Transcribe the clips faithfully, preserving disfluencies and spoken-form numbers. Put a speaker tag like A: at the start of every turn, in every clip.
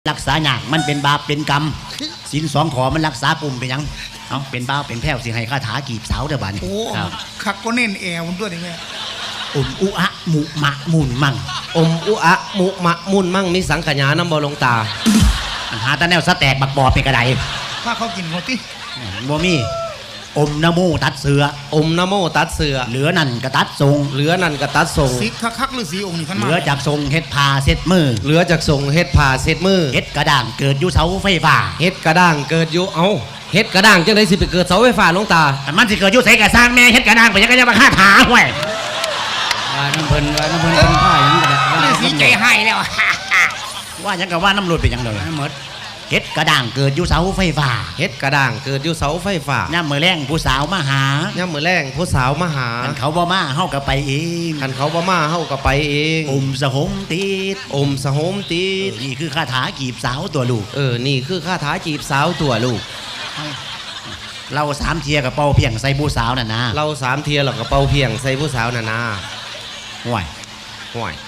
A: รักษาหยากมันเป็นบาปเป็นกรรมสินสองขอมันรักษากลุ่มเป็นยังเอาเป็นบ้าเป็นแพ้วสิให้คาถากีบสาวเด้อบ้านโอ้
B: คักก็เน้นแอวมันด้วยดิแม่
A: อมอุอะมุมะมุนมั่ง
C: อมอุอะมุมะมุนมั่งมีสังขยาน้ำบ่ลงตา
A: หาตาแนวสแตกบักบอเป็นกระได
B: ถ้าเขากินเขาติ
A: บ่มีอมนโมตัดเสือ
C: อมนโมตัดเสือ
A: เหลือนั่นกระตัดทรง
C: เหลือนั่นกระตัดทรง
B: สีคักๆหรือสีองค์นี่ขัน
A: มาเหลือจากทรงเฮ็ดผ้าเซ็ดมือ
C: เหลือจากทรงเฮ็ดผ้าเซ็ดมือ
A: เฮ็ดกระด่างเกิดอยู่เสาไฟฟ้า
C: เฮ็ดกระด่างเกิดอยู่เอาเฮ็ดกระด่างจังได๋สิไปเกิดเสาไฟฟ้าลงตา
A: มันสิเกิดอยู่ไสกะสร้างแม่เฮ็ดกระด่างไปยังก็จะมาฆ่าถาห้วยว่าน้ำเพิ่นว่าน้ำเพิ่นเป็นผ้าหยังก็ได้
B: ว่าสีใจให้แล้ว
A: ว่ายังก็ว่าน้ำหลุดไปยังเลยหมดเฮ็ดกระด่างเกิดอยู่เสาไฟฟ้า
C: เฮ็ดกระด่างเกิดอยู่เสาไฟฟ้า
A: ย่ามมื้อแรงผู้สาวมาหา
C: ย่ามมื้อแรงผู้สาวมาหา
A: คันเขาบ่มาเฮาก็ไปเอง
C: คันเขาบ่มาเฮาก็ไปเอง
A: อมสะหมติด
C: อมสะหมติด
A: นี่คือคาถาจีบสาวตัวลูก
C: เออนี่คือคาถาจีบสาวตัวลูก
A: เราสามเทียกับเป่าเพียงใส่ผู้สาวน่ะนะ
C: เราสามเทียแล้วก็เป่าเพียงใส่ผู้สาวน่ะนะ
A: ห่วย
C: ห่วย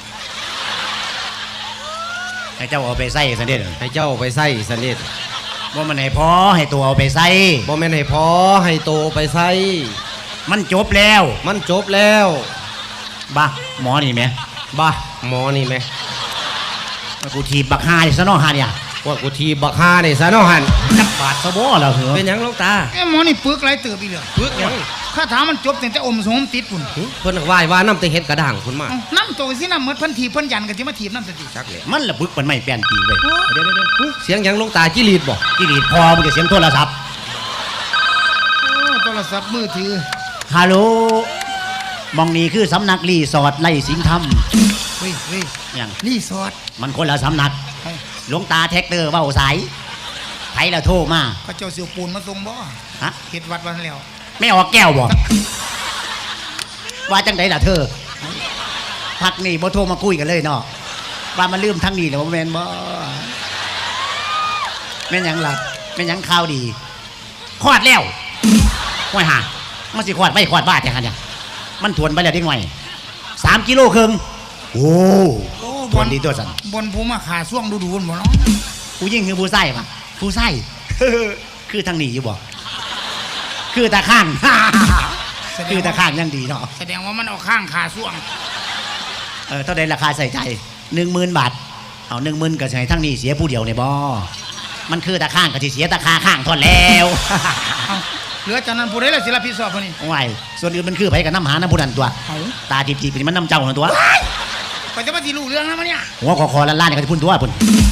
A: ให้เจ้าเอาไปใส่ซะเด็ด
C: ให้เจ้าเอาไปใส่ซะเด็ด
A: ว่ามันให้พอให้ตัวเอาไปใส่
C: บ่แม่นให้พอให้โตไปใส่
A: มันจบแล้ว
C: มันจบแล้ว
A: บ้าหมอนี่ไหม
C: บ้าหมอนี่ไหม
A: กูทีบักฮาดิซะน้อฮาเนี่ย
C: ว่ากูทีบักฮาดิซะน้อหัน
A: จับบาดสะโบแล้วเหรอ
C: เป็นยังลงตา
B: ไอ้หมอนี่ปึกไรเติบอีเหลือ
C: ปึกยัง
B: คาถามันจบแต่อมสมติดปุ่น
C: เพิ่นไหว้ว่าน้ำแต่เฮ็ดกระด่างคุณมา
B: น้ำโตสิน้ำเมื่อพันทีเพิ่นยันกันจะมาถีบน้ำสติ
C: ชักเลย
A: มันละบึกมันไม่แป้นตีเลย
C: เดี๋ยวเดี๋ยวเสียงยังลงตาจิรีดบ่
A: จิรีดพอมันจะเสียงโทรศัพท์
B: โทรศัพท์มือถือ
A: ฮัลโหลมองนี่คือสำนักรีสอร์ทไร่สิงห์ธรรม
B: เฮ้ยเฮ้ย
A: อย่าง
B: รีสอร์ท
A: มันคนละสำนักหลวงตาแท็กเตอร์เว้าสายไผละโทรมา
B: เขาเจ้าเสียวปูนมาส่งบ่
A: ฮะ
B: เฮ็ดวัดวันแล้ว
A: ไม่ออกแก้วบ่ว่าจังไดล่ะเธอพักนี่บ่โทรมาคุยกันเลยเนาะว่ามันลืมทั้งนี้แล้วบ่แม่นบ่แม่นหยังล่ะแม่นหยังข่าวดีคลอดแล้วห้วยห่ามันสิคลอดไม่คลอดบ้าแต่คั่นเนี่ยมันทวนไปแล้วเด็กหน่อยสามกิโลครึ่งโอ้ทวนดีตัวสั่น
B: บนภูมาขาช่วงดูๆบ่เนาะ
A: ผู้ยิ่งคือผู้ไส้ป่ะผู้ไส้คือทางนี้อยู่บ่คือตาข้างคือตาข้างยังดีเนาะ
B: แสดงว่ามันเอาข้างขาช่วง
A: เออเท่าใดราคาใส่ใจหนึ่งหมื่นบาทเอาหนึ่งหมื่นก็ใช้ทั้งนี้เสียผู้เดียวในบ่มันคือตาข้างก็สิเสียตาคาข้างทอนแล้ว
B: เหลือจากนั้นผู้ใดล่ะสิรับผิดชอบคนนี้
A: โอ้ยส่วนอื่นมันคือไผกับน้ำหาน้ำผู้นั้นตัวตาจีบๆนี่มันน้ำเจ้าตัว
B: ก็จะมาสิรู้เรื่องนะมันเนี่ย
A: หัวคอคอล้านๆนี่ก็จะพุ่นตัวพุ่น